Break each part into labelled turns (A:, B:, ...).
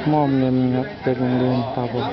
A: มอบเงินครับเด็กโรงเรียนครับผม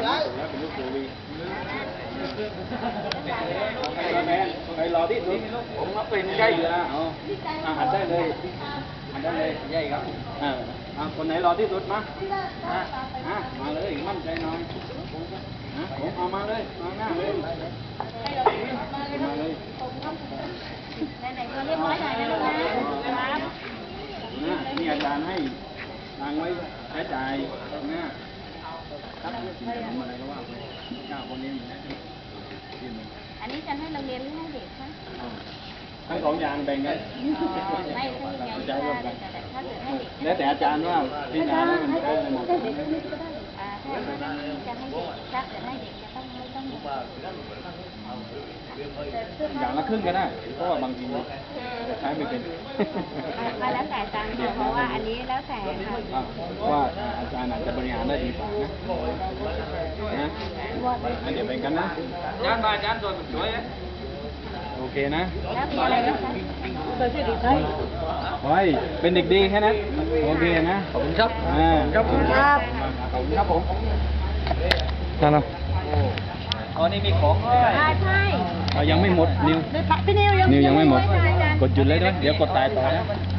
B: ใครรอที่สุดผมมาเป็นใกล้อยู่นะหันได้เลยหันได้เลยใหญ่ครับคนไหนรอที่สุดมามาเลยมั่นใจหน่อยผมเอามาเลยมาหน้าเลยมาเลย
C: ไหนๆก็เรียบร้อยหน่อยนะลูกนะครับ
B: นี่อาจารย์ให้ตังไว้ใช้จ่ายนะครับอะไรก็ว่าไปเจ้าคนนี้
C: อันนี้จะให้โรงเรียนหรือให้เด็กคะ
B: ทั้งสองอย่างแบ่งกัน
C: ไม่ใช่ไงถ้าเกิดให้เด็ก
B: แล้วแต่อาจารย์ว่าพิจารณาแล้วมันได้หมด
C: ถ้าจะให้เด็กถ้าเกิดให้เด็กจะต้องไม่ต้อง
B: อย่างละครึ่งก็ได้เพราะว่าบางทีใช้ไม่เป็น
C: มาแล้วแต่อาจารย์เพราะว่าอันนี้แล้วแต่
B: ว่าอาจารย์อาจจะบริหารได้ดีกว่านะเดี๋ยวเป็นกันนะอาจารย์มาอาจารย์ตัวสวยโอเคนะ
C: แล้วมีอะไรบ้างคะ
B: ไว้เป็นเด็กดีแค่นั้นโอเคนะขอบคุณครับ
C: ขอบคุณครับ
B: ขอบคุณครับผม
A: นั่นเหรอ
B: อ๋อนี่มีของ
C: ใช่
B: ยังไม่หมดนิว
C: พี่นิว
B: ยังไม่หมดกดหยุดเลยด้วยเดี๋ยวกดตายต่อนะ